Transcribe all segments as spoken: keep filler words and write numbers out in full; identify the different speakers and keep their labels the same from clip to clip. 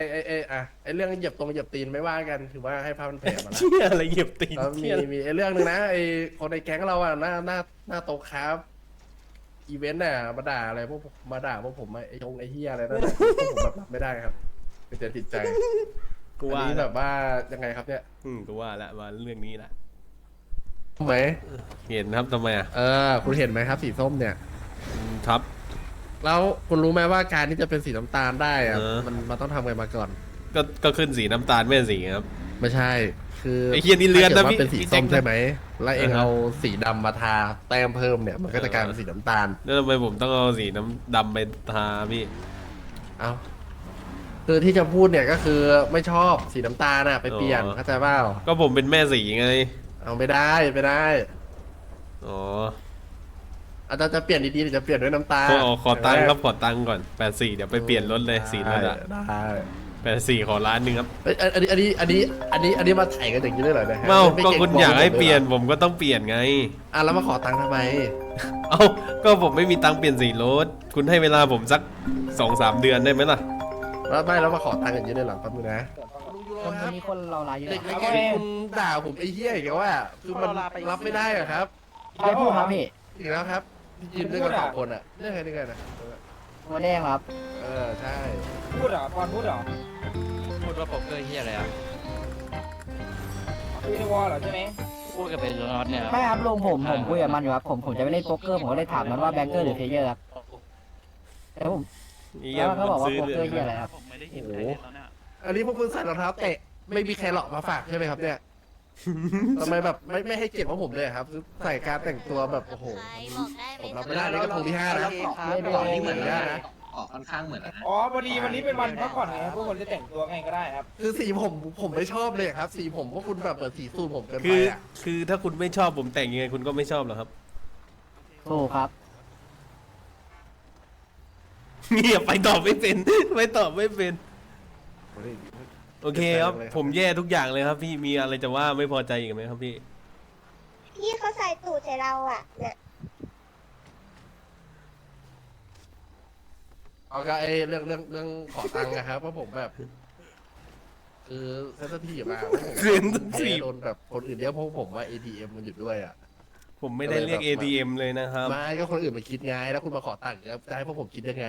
Speaker 1: ไอ้ไอ้ไอ้อะไอ้เรื่องเหยียบตรงเหยียบตีนไม่ว่ากันถือว่าให้ภาพมันแผ่มาแล้ว
Speaker 2: เชี่ยอะไรเหยียบตีน
Speaker 1: แล้วมี
Speaker 2: เชี่ย
Speaker 1: มีไอ้เรื่องหนึ่งนะไอ้คนในแก๊งเราอะหน้าหน้าหน้าโต๊ะครับอีเวนต์น่ะมาด่าอะไรพวกผมมาด่าพวกผมอะไอ้ชงไอ้เฮียอะไรนั่นน่ะพวกผมแบบรับไม่ได้ครับเป็นแต่ติดใจ
Speaker 2: กู
Speaker 1: อัน
Speaker 2: ว่า
Speaker 1: นี้
Speaker 2: แบ
Speaker 1: แบบ บว่ายังไงครับเนี่ย
Speaker 2: อืมกูว่าละว่าเรื่องนี้ละ
Speaker 1: ไหม
Speaker 2: เห็นครับทำไมอ่ะ
Speaker 1: เออคุณเห็นไหมครับสีส้มเนี่ย
Speaker 2: อืมครับ
Speaker 1: แล้วคุณรู้ไหมว่าการที่จะเป็นสีน้ำตาลได้อะ
Speaker 2: เออ
Speaker 1: มันมันต้องทำไงมาก่อน
Speaker 2: ก็ก็ขึ้นสีน้ำตาลไม่ใช่สีครับ
Speaker 1: ไม่ใช่ คือ
Speaker 2: ไอ้เหี้ยนี่เลือนนะ
Speaker 1: ถ้ากิด
Speaker 2: พี่
Speaker 1: ว่าเป็นสี
Speaker 2: พี่แจ็
Speaker 1: ส้
Speaker 2: ค
Speaker 1: ม
Speaker 2: นะ
Speaker 1: ใช่ไหมแล้วเอง
Speaker 2: อ่าฮะ
Speaker 1: เอาสีดำมาทาแต้มเพิ่มเนี่ยมันก็จะกลายเป็นสีน้ำตาล
Speaker 2: แล้วทำไมผมต้องเอาสีน้ำดำไปทาพี่
Speaker 1: เอาคือที่จะพูดเนี่ยก็คือไม่ชอบสีน้ำตาลน่ะไปเปลี่ยนเข้าใจเปล่า
Speaker 2: ก็ผมเป็นแม่สีไง
Speaker 1: เอาไม่ได้ไม่ได้
Speaker 2: อ๋อ
Speaker 1: อาจารย์จะเปลี่ยนดีๆหรือจะเปลี่ยนด้วยน้ำตาล
Speaker 2: ขอขอตังค์ครับขอตังค์ก่อนแปดสี่เดี๋ยวไปเปลี่ยนรถเลยสีรถอะ
Speaker 1: ได้
Speaker 2: แปดสี่ขอล้านหนึ่งครับ
Speaker 1: เอ้ยอันนี้อันนี้อันนี้อันนี้อันนี้มาถ่ายกันอย่างนี้ได้เหรอเนี่ยฮะ
Speaker 2: เมา
Speaker 1: ไม่
Speaker 2: ก็
Speaker 1: เรง
Speaker 2: คุณ
Speaker 1: กลัว
Speaker 2: อยากให้
Speaker 1: ผม
Speaker 2: เปลี่ยน
Speaker 1: หรอ
Speaker 2: ผมก็ต้องเปลี่ยนไง
Speaker 1: อ่ะแล้วมาขอตังค์ทำไม
Speaker 2: เอ้าก็ผมไม่มีตังค์เปลี่ยนสีรถคุณให้เวลาผมสักสองสามเดือนได้ไหมล่ะ
Speaker 1: แล้วไม่แล้วมาขอตังค์อย่างนี้ได้เหรอแป๊บนึงนะ
Speaker 3: คนวันนี้คนเราลายเยอะ
Speaker 1: เด็ก
Speaker 3: ค
Speaker 1: ใน
Speaker 3: รับ
Speaker 1: แก๊งคุณด่าผมไอ้เหี้ยอีกแล้วว่าคือมันรับไม่ได้อะครับ
Speaker 3: ใครพูดครับพี่
Speaker 1: อีกแล้วครับที่ยืนด้วยกันสองคนอะเรื่องอะไรนี่กันนะ
Speaker 3: หัวแดงครับ
Speaker 1: เออใช่
Speaker 4: พูดเหรอปอนพูดเหรอ
Speaker 5: พูดว่าโป๊กเกอร์เฮียอะไรอ่ะ
Speaker 4: พูดในวอลเหรอใช่ไหม
Speaker 5: พูดกับเป็นน็อตเนี่ย
Speaker 3: ไม่ครับลุงผมผมคุยกับมันอยู่ครับผมผมจะไปเล่นโป๊กเกอร์ผมก็เลยถามมันว่าแบงเกอร์หรือเพลเยอร์ครับแล้วผม
Speaker 2: เหี้ย
Speaker 3: แล้วเขาบอกว่า
Speaker 2: ซื้
Speaker 3: โป๊กเกอร์
Speaker 2: ล
Speaker 3: เหียอะไรครับ
Speaker 5: ผมไม่ได้ยินใครเลยตอนเนี้ย
Speaker 1: อันนี้พวกคุณใส่รองเท้าเตะไม่มีใครหลอกมาฝากใช่ไหมครับเนี่ยทำไมแบบไม่ไม่ให้เกียรติพวกผมเลยครับคือใส่การแต่งตัวแบบโอ้โห ผมรับไม่ได้นี่ก็คงที่ห้านะ
Speaker 3: ไม่ได้
Speaker 1: ต่อนี่เหมือนกันนะ
Speaker 6: ออกค่อนข้างเหมือนแล้วนะ
Speaker 4: อ๋อพอดีวันนี้เป็นวันพักผ่อนไงครับพวกคนจะแต่งตัวไงก็ได้ครับ
Speaker 1: คือสีผมผมไม่ชอบเลยครับ สีผมพวกคุณแบบเปิดสีสูทผมเกินไป
Speaker 2: คือ
Speaker 1: อ่ะ
Speaker 2: คือถ้าคุณไม่ชอบผมแต่งยังไงคุณก็ไม่ชอบหรอกครับ
Speaker 3: ถูกครับ
Speaker 2: เงียบไปตอบไม่เป็น ไปตอบไม่เป็น โอเคครับ ผมแย่ทุกอย่างเลยครับ พี่มีอะไรจะว่าไม่พอใจอีกไหมครับพี่
Speaker 7: พี่เขาใส่ตูดใส่เราอ่ะเนี่ย
Speaker 1: เอาก็ไอ้เรื่องเรื่องเรื่องขอตังค์นะครับเพราะผมแบบ คือเซนซิทีฟมาเพราะผม
Speaker 2: Sensitive
Speaker 1: โดนแบบคนอื่นเรียกพวกผมว่า เอ ที เอ็ม มันอยู่ด้วยอ่ะ
Speaker 2: ผมไม่ได้เรียก
Speaker 1: ก็
Speaker 2: เอ
Speaker 1: เลยแบบ
Speaker 2: ที เอ็ม เลยนะครับ
Speaker 1: ไม่ก็คนอื่นมาคิดไงแล้วคุณมาขอตังค์แล้วจะให้พวกผมคิดยังไง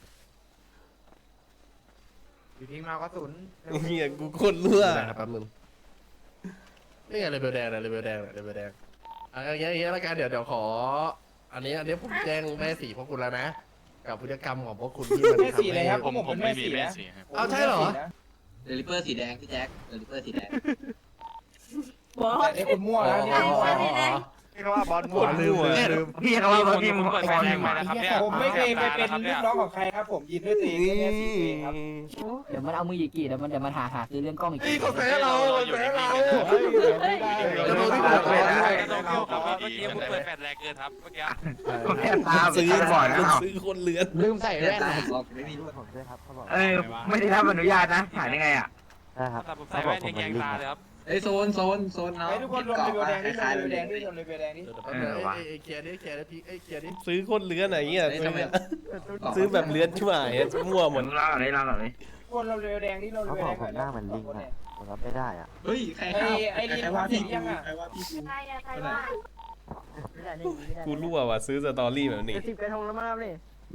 Speaker 4: อยู่ทิ้งมาก็ศูนย์
Speaker 2: เฮียกูโคนรั่ว
Speaker 1: ได้ครับแป๊บนึงนี่ไงเลเวลแดงเลยเลเวลแดงเลยเลเวลแดงอ่ะอย่างเงี้ยอย่างเงี้ยแล้วกันเดี๋ยวเดี๋ยวขอ อันนี้อันนี้ผมแจ้งแม่สีพวกคุณแล้วนะ กับพฤติกรรมของพวกคุณที่มัน
Speaker 4: แม่
Speaker 1: ทำ
Speaker 4: สีเลย
Speaker 1: ให้
Speaker 4: ครับ
Speaker 5: ผมผมไม่มีแม่
Speaker 4: สี
Speaker 5: สีครับ
Speaker 1: เอาใช่เหรอ
Speaker 6: เดลิเปอร์สีแดงพี่แจ็คเดลิเปอร์สีแดง
Speaker 4: แต่ไอ้คนมั่วนะเนี่ย
Speaker 5: พี่เขาว่าบอลมั่ว
Speaker 2: มั่ว
Speaker 5: พี่เขาว่าพี่มึงเปิดไฟแดงมานะครับเนี่ย
Speaker 4: ผมไม่เคยไปเป็นลูกน้องของใครครับ ผมยินด้วยตัวเองแค่สีเองครับ
Speaker 3: เดี๋ยวมันเอามือหยิกกี่เดี๋ยวมันเดี๋ยวมันหาหาซื้อเรื่องกล้องอีก
Speaker 1: นี่เขาแพ้เราเขาแพ้เรา
Speaker 4: ไม่ได้
Speaker 1: แล้วโดนที่ผม
Speaker 5: เ
Speaker 1: แพ้
Speaker 5: มื่อกี้มึงเปิดแฟลชแรงเกินครับเมื่อกี้
Speaker 2: ซื้อคนซื้อคนเลือน
Speaker 3: ลืมใส่
Speaker 6: เลือ
Speaker 3: แว่
Speaker 6: ด
Speaker 3: น
Speaker 6: ตา
Speaker 3: นะ
Speaker 6: ออกไม่มีด้วย
Speaker 8: เออไม่ได้รับอนุญาตนะถ่ายได้ไงอ่ะ
Speaker 5: แต่ผมใส่แว่นแยงๆตาเลยครับ
Speaker 6: เอ้ยโซนโซนโซนเนาะ
Speaker 4: ไอ้ทุกคนรวมเลเวลแดง
Speaker 6: ค
Speaker 4: นี่รว
Speaker 6: ล้าย
Speaker 4: ม
Speaker 6: ๆ
Speaker 4: เล
Speaker 6: เล
Speaker 4: เวลแดงนี่
Speaker 6: ย
Speaker 4: รวมเลเวลแดงนี่
Speaker 1: เออไอ้เคลียร์ดิเคลียร์ดิพี่ไอ้เคลียร์ดิ
Speaker 2: ซื้อคนเลือนอะไรเงี้ย
Speaker 6: เอ้ย
Speaker 2: ซื้
Speaker 6: ทำ
Speaker 2: อ
Speaker 6: ไม
Speaker 2: ซื้อแบบเลือนช่วยมั่วหมด
Speaker 8: เล่าหน่อยเล่าหน่อย
Speaker 4: คนรวมเลเวลแดงนี่รวมเลเวลแดงก่อนนะ
Speaker 8: ผมรับไม่ได้อ่ะ
Speaker 6: เฮ้ยใคร
Speaker 4: ไอ้
Speaker 6: เข้า
Speaker 4: ไอ้ลิน
Speaker 6: ใคร
Speaker 4: ว่า
Speaker 6: ว่า
Speaker 4: สี
Speaker 6: พี่
Speaker 4: ยังอ่ะ
Speaker 6: ใครว่าพี่กู
Speaker 7: ใครอะใครว่า
Speaker 2: กูรั่วว่ะซื้อสตอรี่แบบนี้
Speaker 3: สิบกระทงแล้วมั้งนี่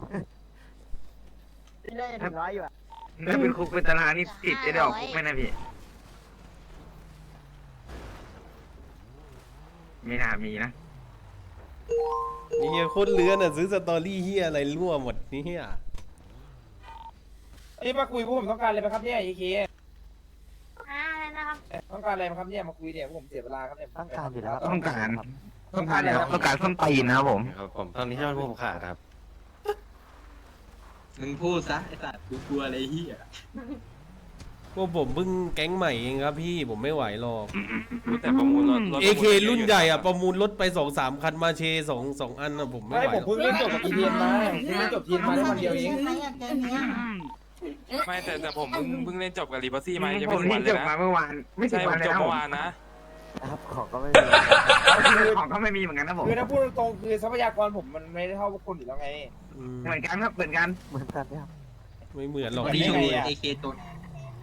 Speaker 3: ที่ได้ถึงร้อยอยู่อ่ะ
Speaker 8: ถ้าเป็นคุกเป็นตารางนี่ติดจะได้ออกคุกไหมนะพี่ไม่น่ามีนะ
Speaker 2: นี่เฮียโคตรเลือนอ่ะซื้อสตอรี่เฮียอะไรรั่วหมดนี่เฮีย
Speaker 4: อันนี้มาคุยพวกผมต้องการอะไรไหมครับเนี่ยไอ้เค
Speaker 7: อ่านะครับ
Speaker 4: ต้องการอะไรไหมครับเนี่ยมาคุยเนี่ยพวกผมเสียเวลาครับเนี่ย
Speaker 8: ต้องการอยู่แล้วต้องการต้องการอยู่แล้วต้องการส้นตีนนะครับผม
Speaker 1: ครับผมตอนนี้ที่มันผมขาดครับ
Speaker 6: มึงพูดซะไอ้สัตว์กูกลัวอะไรเฮีย
Speaker 2: พวกผมเพิ่งแก๊งใหม่เองครับพี่ผมไม่ไหวหรอก
Speaker 5: แต่ประมูลรถรถ
Speaker 2: เอเครุ่นใหญ่อ่ะประมูลรถไปสองสามคันมาเชสองสองอันอ่ะผมไม่
Speaker 4: ไม่
Speaker 2: ไหว
Speaker 4: ผม
Speaker 2: หรอก
Speaker 4: เพิ่งเล่นจบกับอีเทียนมาเพิ่งเล่นจบทีมมาได้วันเดียวเอง
Speaker 5: ไม่แต่แต่ผมเพิ่งเพิ่งเล่นจบกับรีบัซี่มายัง
Speaker 8: ผ
Speaker 5: ไม่
Speaker 8: ม
Speaker 5: ถึง
Speaker 8: นี่
Speaker 5: วันเล
Speaker 8: จ
Speaker 5: ย
Speaker 8: บมา
Speaker 5: นะ
Speaker 8: เมื่อวานไม่ถึ
Speaker 5: ใช่
Speaker 8: ง
Speaker 5: ผ
Speaker 8: วัน
Speaker 5: ม
Speaker 8: เลย
Speaker 5: จบ
Speaker 8: นะ
Speaker 5: เมื่อวานนะ
Speaker 8: ครับของก็ไม่มีของก็ไม่มีเหมือนกันนะผม
Speaker 4: คือถ้าพูดตรงๆคือทรัพยากรผมมันไม่ได้เท่าพวกคุณอยู่แล้วไง
Speaker 2: อืม
Speaker 8: เหมือนกันครับเหมือนกันเหมือนกันครับ
Speaker 2: ไม่เหมือนหรอก
Speaker 6: วัน
Speaker 2: พี่
Speaker 6: นี้
Speaker 4: ไม่
Speaker 6: โช
Speaker 4: มี
Speaker 6: ว์
Speaker 4: อะ
Speaker 6: เอเคตัว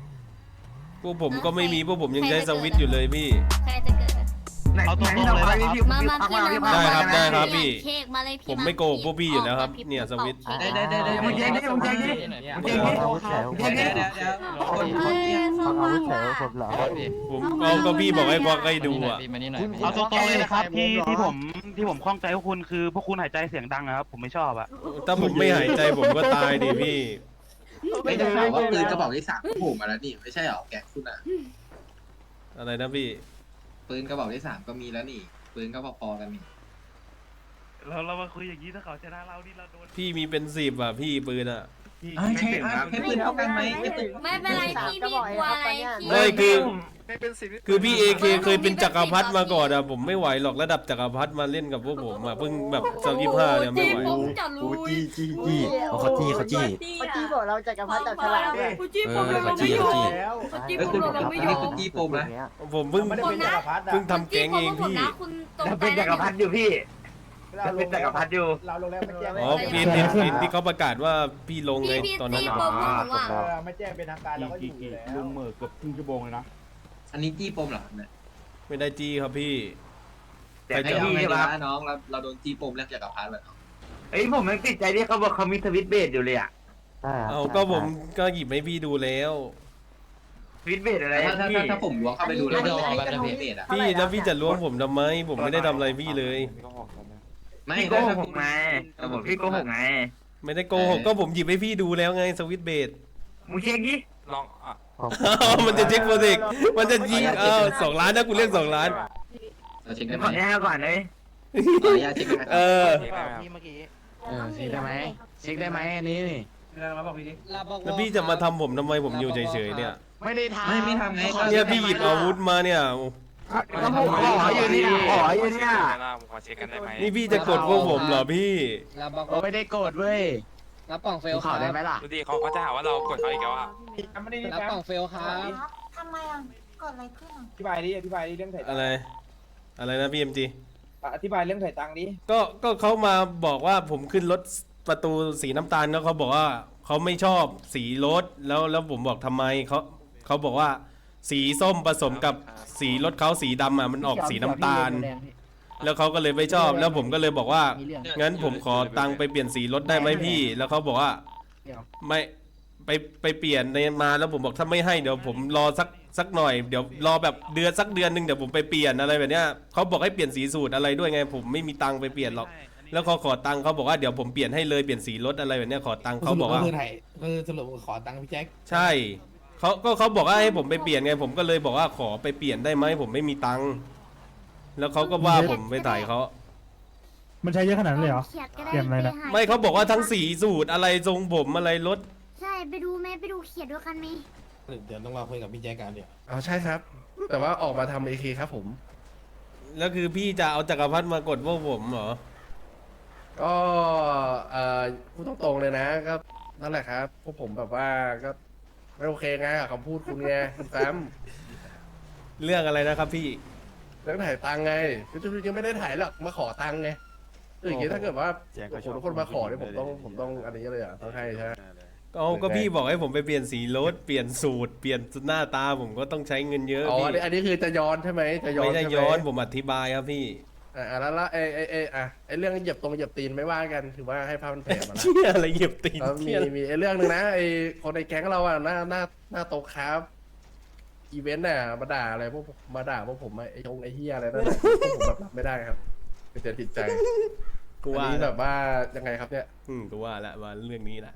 Speaker 2: พวกผมก็ไม่มีพวกผมยังใช้สวิตช์อยู่เลยพี่
Speaker 7: ใครจะเกิด
Speaker 8: เอาตรงๆเลยครับพี่
Speaker 7: มามาพี่มา
Speaker 2: ได้ครับได้ครับพี่
Speaker 7: เค้กมาเลยพี่
Speaker 2: ผมไม่โกหกพวกพี่อยู่แล้วครับเนี่ยสวิตช์
Speaker 6: ได้ได้ได้ได้
Speaker 8: มึงแจ้งดิมึงแจ้งดิมึงแจ้งดิ
Speaker 6: เดี๋ยวเดี๋ยวเดี๋ยวเดี๋ยวคนคนเนี้ย
Speaker 7: เอาอาวุธ
Speaker 2: ผมเอาก็พี่บอกให้ควักให้ดูอ่ะ
Speaker 8: เอาตรงๆเลยนะครับที่ที่ผมที่ผมข้องใจพวกคุณคือพวกคุณหายใจเสียงดังนะครับผมไม่ชอบอะ
Speaker 2: ถ้าผมไม่หายใจผมก็ตายดิพี่
Speaker 6: ไม่ได้ข่าวว่าปืนกระบอกที่สามโผล่มาแล้วนี่ไม่ใช่หรอแกงคุณอ่ะ
Speaker 2: อะไรนะพี่
Speaker 6: ปืนกระบอกที่สามก็มีแล้วนี่ปืนก็พอๆกันนี่
Speaker 8: เราเรามาคุยอย่างนี้ถ้าเขาชนะเรานี่เราโดน
Speaker 2: พี่มีเป็นสิบอ่ะพี่ปืนอ่ะ
Speaker 6: ไม่ใช่ให้ปืนเท่ากันไหมไม่ปืน
Speaker 7: ไม่เป็นไรพี่พี่กลัวอะไรพี่
Speaker 2: ไม่คือคือพี่เอเคเคยเป็นจักรพรรดิมาก่อนอ่ะผมไม่ไหวหรอกระดับจักรพรรดิมาเล่นกับพวกผมอ่ะเพิ่งแบบสองยี่ห้าเนี่ยไม่ไหว
Speaker 7: ผมจะรู้
Speaker 9: จี้จี้จี้เขาจี้เขาจี้
Speaker 10: เมื่อกี้บอกเราจักรพรรดิจับฉลากด้วย
Speaker 7: จี้ผมเราไม่ยอมจี้ผ
Speaker 6: เอ้ย
Speaker 7: ม
Speaker 6: คุณ
Speaker 7: เราไม่ย
Speaker 6: นี่
Speaker 7: อ
Speaker 6: คือ
Speaker 7: ม
Speaker 6: จี้ปมนะ
Speaker 2: ผมเพิ่ง
Speaker 4: ไม่ได้เป็นจักรพรรดิอะ
Speaker 2: เพิ่งทำแก๊งเองพี่
Speaker 7: คุณตรง
Speaker 8: เป็นจักรพรรดิอยู่พี่
Speaker 4: เราล
Speaker 8: เป็น
Speaker 4: ง
Speaker 8: จักรพรรดิอยู่
Speaker 4: เราลงแล้วไม่แจ้ง
Speaker 2: อ๋อพี่เห็นเห็นที่เขาประกาศว่าพี่ลงไง
Speaker 7: พี่พี่
Speaker 2: ตอนนั้น
Speaker 7: จี้
Speaker 2: อะ
Speaker 7: ผมผมว่า
Speaker 4: เออไม่แจ้งเป็นทางการเราก็อยู่อยู่แล้ว
Speaker 9: ลุงเหมือเกือบครึ่งชั่วโมงเลยนะ
Speaker 6: อันนี้จี้ปมเหรอเนี่ย
Speaker 2: ไม่ได้จี้ครับพี่
Speaker 8: แต่
Speaker 6: ไอ้
Speaker 8: ไอ้
Speaker 6: เรา
Speaker 8: พี่
Speaker 6: ไม่
Speaker 8: ใช่
Speaker 6: ได้
Speaker 8: ปะ
Speaker 6: นะน้องเราเราโดนจี้ปมเรื่องจักรพรรดิแบบ
Speaker 8: เอ้ยผมยังติดใจที่เขาบอกเขามีทวิตเบสอยู่เลยอะ
Speaker 2: เอาก็ผมก็หยิบให้พี่ดูแล้ว
Speaker 8: ทวิตเบสอะไร
Speaker 6: ถ้าถ้า
Speaker 8: พี่
Speaker 6: ถ้าผมล้วงเข้าไปดูแล้วมันจะเป็นเบสอ่ะ
Speaker 2: พี่แล้วพี่จะล้วงผมทำไม ผมไม่ได้ทำอะไรพี่เลย
Speaker 6: ไม่
Speaker 8: พี่โก
Speaker 6: ถ้า
Speaker 8: หกไงแต่ผมพี่โกหกไง
Speaker 2: ไม่ได้โกหกก็ผมหยิบให้พี่ดูแล้วไงสวิตช์เบส
Speaker 8: มึงเช็คดิ
Speaker 5: ลองอ่ะ
Speaker 2: มันจะเช็คโปรเจกต์มันจะยิงเออสองล้านนะกูเรียกสองล้าน
Speaker 6: เราเช็ค
Speaker 8: เดี๋
Speaker 6: ได้
Speaker 8: ยว
Speaker 6: ไหม
Speaker 8: ขอแน่ก่อนเลย
Speaker 6: ขออนุญาตเช็คได้ไหม
Speaker 2: เออ
Speaker 5: เช็คได้ไหมครับ
Speaker 9: เออเช็คได้ไหมเช็คได้ไหมอันนี้นี่
Speaker 2: แล้วพี่จะมาทำผมทำไมผมอยู่เฉยๆเนี่ย
Speaker 9: ไม่ได้ทำ
Speaker 6: ไม่ไม่ทำไง
Speaker 2: เนี่ยพี่หยิบอาวุธมาเนี่ย
Speaker 8: ก็ผมขออยู่นี่ขออยู่เนี่ย
Speaker 5: ผมขอเช็คกันได้ไหม
Speaker 2: นี่พี่จะกดพวกผมเหรอพี่
Speaker 9: ไม่ได้โกรธเว้ย
Speaker 10: รับกล่องเฟล
Speaker 9: ดูข่าวได้ไหมล่ะ
Speaker 5: ดูดิเขาเขาจะหาว่าเรากดเขาอีกแล้วอ่ะ
Speaker 4: ไม่ได้
Speaker 10: รับกล่องเฟลครับ
Speaker 7: ทำไมอ่ะเกิดอะไรขึ้นอ่ะ
Speaker 4: อธิบายดิอธิบายดิเรื่องถ่ายตั
Speaker 2: อะ
Speaker 4: ง
Speaker 2: ไร
Speaker 4: ค์
Speaker 2: อะไรนะพี่เอ็มจี
Speaker 4: อธิบายเรื่องถ่ายตังค์ดิ
Speaker 2: ก็ก็เขามาบอกว่าผมขึ้นรถประตูสีน้ำตาลแล้วเขาบอกว่าเขาไม่ชอบสีรถแล้วแล้วผมบอกทำไมเขาเขาบอกว่า สีส้มผสมกับสีรถเขาสีดำอ่ะมันออกสีน้ำตาล แล้วเขาก็เลยไม่ชอบ แล้วผมก็เลยบอกว่า
Speaker 3: มีเรื่อง
Speaker 2: งั้นผมขอตังค์ไปเปลี่ยนสีรถได้ไหมพี่ แล้วเขาบอกว่า
Speaker 3: เดี๋ยว
Speaker 2: ไม่ไปไปเปลี่ยนในมาแล้วผมบอกถ้าไม่ให้เดี๋ยวผมรอสักสักหน่อยเดี๋ยวรอแบบเดือนสักเดือนหนึ่งเดี๋ยวผมไปเปลี่ยนอะไรแบบเนี้ยเขาบอกให้เปลี่ยนสีสูตรอะไรด้วยไง ผมไม่มีตังค์ไปเปลี่ยนหรอก แล้วเขาขอตังค์เขาบอกว่าเดี๋ยวผมเปลี่ยนให้เลยเปลี่ยนสีรถอะไรแบบเนี้ยขอตังค์เขาบอกว่า
Speaker 9: คือไทยคือสรุปขอตังค์พี่แจ็ค
Speaker 2: ใช่เขาก็เขาบอกว่าให้ผมไปเปลี่ยนไง ผมก็เลยบอกว่าขอไปเปลี่ยนได้ไหมผมไม่มีตังค์แล้วเขาก็ว่าผมไปถ่ายเขา
Speaker 7: มันใช้เยอะขนาดนั้นเลยเหรอเปลี่ยนอะไรนะ
Speaker 2: ไม่เขาบอกว่าทั้งสีสูตรอะไรทรงผมอะไรรถ
Speaker 7: ใช่ไปดูไหมไปดูเขียนด้วยกันไหม
Speaker 9: เดี๋ยวต้องมาคุยกับพี่แจ็คกันเดี๋ยว
Speaker 1: อ๋อใช่ครับ แต่ว่าออกมาทำเอเคครับผม
Speaker 2: แล้วคือพี่จะเอาจักรพรรดิมากดพวกผมเหรอ
Speaker 1: ก็เอ่อพูดตรงๆเลยนะก็นั่นแหละครับพวกผมแบบว่าก็ไม่โอเคไงกับคำพูดคุณไงคุณแฟม
Speaker 2: เรื่องอะไรนะครับพี่
Speaker 1: เรื่องถ่ายตังค์ไงคือจริงๆยังไม่ได้ถ่ายหรอกมาขอตังค์ไงคืออย่างงี้ถ้าเกิดว่าโอ้โหทุกคนมาขอเนี่ยผมต้องผมต้องอันนี้เลยอ่ะต้องให้ใช่ไหม
Speaker 2: เอาก็พี่บอกให้ผมไปเปลี่ยนสีรถเปลี่ยนสูตรเปลี่ยนหน้าตาผมก็ต้องใช้เงินเยอะ
Speaker 1: อ๋อ
Speaker 2: พี่
Speaker 1: อันนี้อันนี้คือจะย้อนใช่ไหมจะย้อน
Speaker 2: ไม่ได้
Speaker 1: ใช่ห
Speaker 2: ย้อนผมอธิบายครับพี่
Speaker 1: อ่าแล้วแล้วไอ้ไอ้ไอ้อ่ะไอ้เรื่องเหยียบตรงเหยียบตีนไม่ว่ากันถือว่าให้ภาพมันแผ่มาแล้ว
Speaker 2: เชี่ยอะไรเหยียบตีน
Speaker 1: แล้วมี
Speaker 2: เชี่ย
Speaker 1: มีไอ้เรื่องหนึ่งนะไอ้คนในแก๊งเราอ่ะหน้าหน้าหน้าโต๊ะครับอีเวนต์น่ะมาด่าอะไรพวกมาด่าพวกผมไอ้ชงไอ้เฮียอะไรนั่นแหละพวกผมแบบรับไม่ได้ครับเป็นเสียจิตใจ
Speaker 2: กู
Speaker 1: อัน
Speaker 2: ว่า
Speaker 1: นี้
Speaker 2: แบ
Speaker 1: แบบ บว่ายังไงครับเนี่ย
Speaker 2: อืมกูว่าละว่าเรื่องนี้แหละ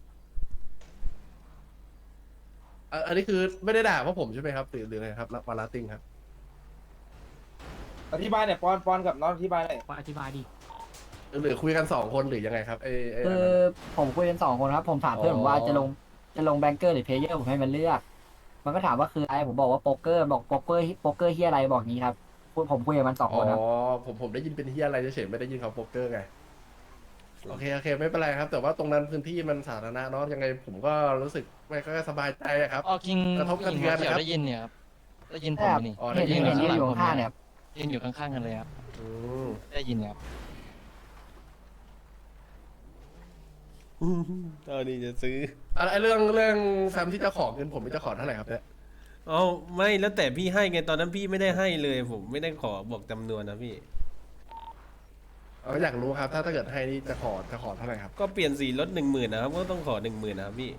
Speaker 1: อ่ะอันนี้คือไม่ได้ด่าพวกผมใช่ไหมครับหรือหรือไงครับวาลาติงครับ
Speaker 4: อธิบายเนี่ยปอนปอนกับน้องอธิบายหน่อย
Speaker 3: อธิบายดิ
Speaker 1: หรือคุยกันสองคนหรือยังไงครับไอ้ไอ้
Speaker 3: คื
Speaker 1: อัน
Speaker 3: อ
Speaker 1: นั้น
Speaker 3: ผมคุยกันสองคนครับ ผมถามเพื่อนผมว่าจะลงจะลงแบงเกอร์หรือเพลเยอร์ผมให้มันเลือก มันก็ถามว่าคืออะไรผมบอกว่าโป๊กเกอร์บอกโป๊กเกอร์โป๊กเกอร์ที่อะไรบอกงี้ครับพูดผมคุยกับมันสอง
Speaker 1: อ๋
Speaker 3: ค
Speaker 1: อน
Speaker 3: ครับ
Speaker 1: ผมผมได้ยินเป็นเฮียอะไรเฉยๆไม่ได้ยินเขาโป๊กเกอร์ไงโอเคโอเคไม่เป็นไรครับ แต่ว่าตรงนั้นพื้นที่มันสาธารณะเนาะยังไงผมก็รู้สึกไม่ค่อยสบายใจอะครับ
Speaker 10: อ๋อคิง
Speaker 1: กระทบกระเทือนนะครับ
Speaker 10: ได้ยินเนี่ยครับได้ยินผ
Speaker 3: แต่
Speaker 10: มนี่
Speaker 1: อ๋อ
Speaker 3: เห็น
Speaker 1: ได้ยิ
Speaker 3: เห็นยืนอยู่ข้างๆเนี่ยครับ
Speaker 10: ยืนอยู่ข้างๆกันเลยครับ
Speaker 1: อืม
Speaker 10: ได้ยินครับ
Speaker 2: ตอนนี้จะซื้อ
Speaker 1: อะไรเรื่องเรื่องแฟมที่จะขอเงินผมจะขอเท่าไหร่ครับเนี่ย
Speaker 2: เอาไม่แล้วแต่พี่ให้ไงตอนนั้นพี่ไม่ได้ให้เลย ผมไม่ได้ขอบอกจำนวนนะพี่
Speaker 1: เอาอยากรู้ครับ ถ้าถ้าเกิดให้นี่จะขอจะขอเท่าไหร่ครับ
Speaker 2: ก็เปลี่ยนสีรถหนึ่งหมื่นนะครับก็ต้องขอหนึ่งหมื่นนะครับพี่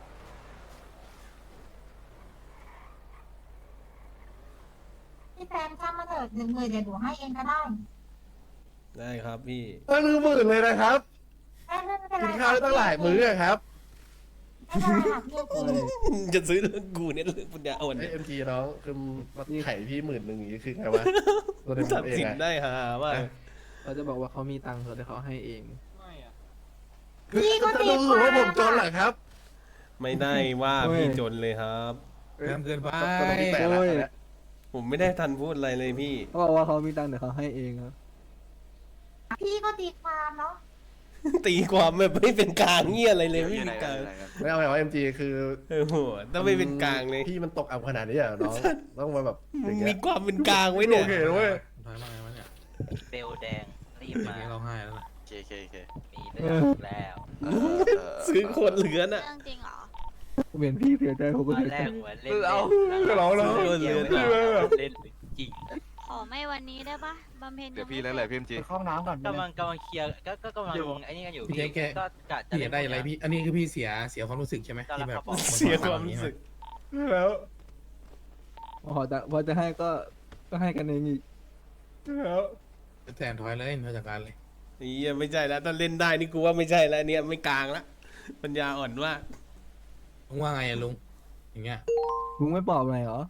Speaker 7: พี่แฟนจ้างมาเถิดหนึ่งหมื่นเดี๋ยวหนูให้เองก็ได้
Speaker 2: ได้ครับพี่
Speaker 1: ตั้งหนึ่งหมื่นเลยนะครับ
Speaker 7: ไม่ไม่เป็นไร
Speaker 1: กินข้าวได้ตั้งหลายมื้ออะครับ
Speaker 7: ไม่เป็นไรค่ะพี่กิน
Speaker 2: จะซื้อเรื่องกูเนี่ยเรื่องปัญญาอ่อน
Speaker 1: ไอ
Speaker 2: เนี่ย
Speaker 1: เอ็มจีน้องคือมาไข่พี่หมื่นหนึ่งอย่างนี้คือไงวะตัวเด็ก
Speaker 2: ตัด
Speaker 1: เอง
Speaker 2: สิน
Speaker 1: อะ
Speaker 2: ได้ฮาว่า
Speaker 10: เราจะบอกว่าเขามีตังค์เขาเดี๋ยวเขาให้เอง
Speaker 7: พี่ก็
Speaker 1: จะ
Speaker 7: ตี
Speaker 1: ดูว่าผมจนเหรอครับ
Speaker 2: ไม่ได้ว่าพี่จนเลยครับ
Speaker 10: เริ่มเกินไป
Speaker 1: ก็ต้องมีแต่ละอันนะ
Speaker 2: ผมไม่ได้ทันพูดอะไรเลยพี่
Speaker 10: เขาบอกว่าเขามีตังค์เดี๋ยวเขาให้เองครับ
Speaker 7: พี่ก็ตีความเนาะ
Speaker 2: ตีความแบบไม่เป็นกลางเงี้ยอะไรเลยไม่เป็นกลาง
Speaker 1: ไม่เอาไงว่าเอ็มจีคือ
Speaker 2: โอ้โหต้องไม่เป็นกลางเลย
Speaker 1: พี่มันตกอับขนาดนี้เหรอน้องต้องมาแบบอย่าง
Speaker 2: มี
Speaker 1: เงี้ย
Speaker 2: ความเป็นกลางไว้เนี่ย
Speaker 1: โอเคเว้ย
Speaker 10: ถอยมาไงวะเนี่ย
Speaker 9: เบลแดงรีบมา
Speaker 10: เราให้แล้วนะ
Speaker 9: เคเคเคมีเรื่องแล้ว
Speaker 2: ซื้อคนเหลือน่ะ
Speaker 7: เรื่องจริงเหรอ
Speaker 10: ผมเห็นพี่เสียใจผมก็
Speaker 9: ตอน
Speaker 10: เสีย
Speaker 9: แร
Speaker 10: ใจ
Speaker 9: กหัวเล่น
Speaker 1: เอาก็ร้องแล้ว
Speaker 2: ซื้อคนเหลือ
Speaker 9: เล่นจริง
Speaker 7: ขอไม่วันนี้ได้ปะบำเพ็ญ
Speaker 5: เดี๋ยวพี่แล้วแหละพี่เอ็มจี
Speaker 3: ไปเข้าห้องน้ำก่อน
Speaker 9: กำลังกำลังเคลียร์ก็ก็กำลังไอ้นี่กันอยู่
Speaker 10: พี่แจ๊คแก
Speaker 9: ก็กะจะ
Speaker 10: พี่อยากได้อะไรพี่ อันนี้คือพี่เสียเสียความรู้สึกใช่ไหมที่แบบ
Speaker 2: เสียความรู้สึก
Speaker 1: แล้ว
Speaker 10: พอจะพอจะให้ก็ก็ให้กันเองอีก
Speaker 1: แล้ว
Speaker 10: แทนถอยเลยมาจากการเลย
Speaker 2: นี่ไม่ใช่แล้วถ้าเล่นได้นี่กูว่าไม่ใช่แล้วเนี่ยไม่กลางละปัญญาอ่อนมาก
Speaker 10: ลุงว่าไงอะลุงอย่างเงี้ยลุงไม่ปลอบอะไรเหรอ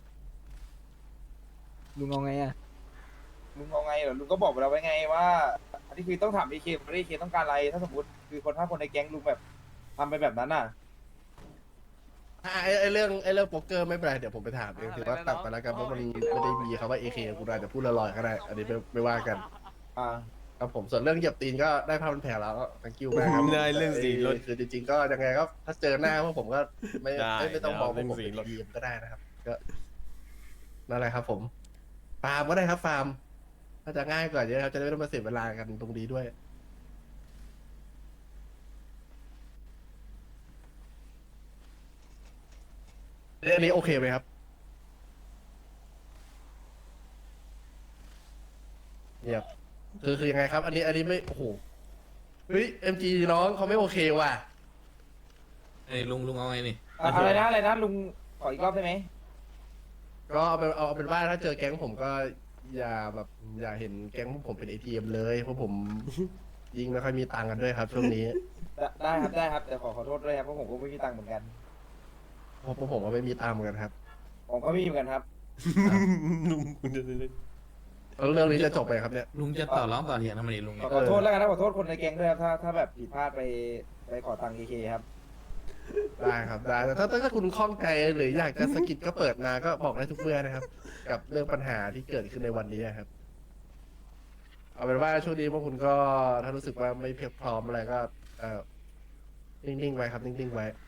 Speaker 10: ลุงเอาไงอะ
Speaker 4: ลุงเอาไงเหรอลุงก็บอกไปแล้วไว้ไงว่าอันนี้คือต้องถามดีเคว่าดีเคต้องการอะไรถ้าสมมติคือคนถ้าคนในแก๊งลุงแบบทำไปแบบนั้นน่ะ
Speaker 1: ไอ้ไอ้เรื่องไอ้เรื่องโป๊กเกอร์ไม่เป็นไรเดี๋ยวผมไปถามเองถือว่าตัดไปแล้วกันเพราะมันไม่ได้มีคำว่าเอเคกูอาจจะพูดลอยๆก็ได้อันนี้ไม่ไม่ว่ากัน
Speaker 4: อ่า
Speaker 1: ครับผมส่วนเรื่องเหยียบตีนก็ได้ภาพมันแผลแล้วก็ thank you มากครับ
Speaker 2: ได้เรื่องสีรถ
Speaker 1: คือจริงๆก็ยังไงก็ถ้าเจอหน้าพวกผมก็ไม่
Speaker 2: ได้
Speaker 1: ไม่ไม่ต้องมอง
Speaker 2: เรื่
Speaker 1: ว่า
Speaker 2: อง
Speaker 1: ผม
Speaker 2: สี
Speaker 1: เป็น
Speaker 2: รถ
Speaker 1: ทีมก็ได้นะครับ ก็นั่นแหละครับผมฟาร์มก็ได้ครับฟาร์มถ้าจะง่ายกว่าเยอะครับจะได้ไม่ต้องมาเสียเวลากันตรงนี้ด้วยอันนี้โอเคไหมครับเงียบคือคือยังไงครับ อันนี้อันนี้ไม่โอ้โหเฮ้ยเอ็มจีน้องเขาไม่โอเคว่ะ
Speaker 10: เอ้ยลุงลุงเอาไงนี่
Speaker 4: อะอะไรนะอะไรนะลุงขออีกรอบได้ไหม
Speaker 1: ก็เอาเป็นเอาเป็นว่าถ้าเจอแก๊งผมก็อย่าแบบอย่าเห็นแก๊งผมเป็นเอทีเอ็มเลยเพราะผม ยิงไม่ค่อยมีตังค์กันด้วยครับช่วงนี้
Speaker 4: ได้ได้ครับได้ครับแต่ขอขอโทษด้วยครับเพราะผมก็ไม่มีตังค์เหมือนกัน
Speaker 1: เพราะผมก็ไม่มีตังค์เหมือนกันครับ
Speaker 4: ผมก็ไม่มีเหมือนกันครับ
Speaker 2: ลุงคุณจะ
Speaker 1: แล้วเรื่องนี้จะจบไปครับเนี่ย
Speaker 10: ลุงจะต่อร้องต่อเถียงทำไมนี่ลุง
Speaker 4: ขอขอโทษแล้วกันนะขอโทษคนในแก๊งด้วยครับถ้าถ้าแบบผิดพลาดไปไปขอตังค์เคเคครับ
Speaker 1: ได้ครับได้แต่ถ้าถ้าคุณคล่องใจหรืออยากจะสะกิดก็เปิดมาก็บอกได้ทุกเมื่อนะครับ กับเรื่องปัญหาที่เกิดขึ้นในวันนี้ครับ เอาเป็นว่าช่วงนี้พวกคุณก็ถ้ารู้สึกว่าไม่เพียงพร้อมอะไรก็เออนิ่งๆไว้ครับนิ่งๆไว้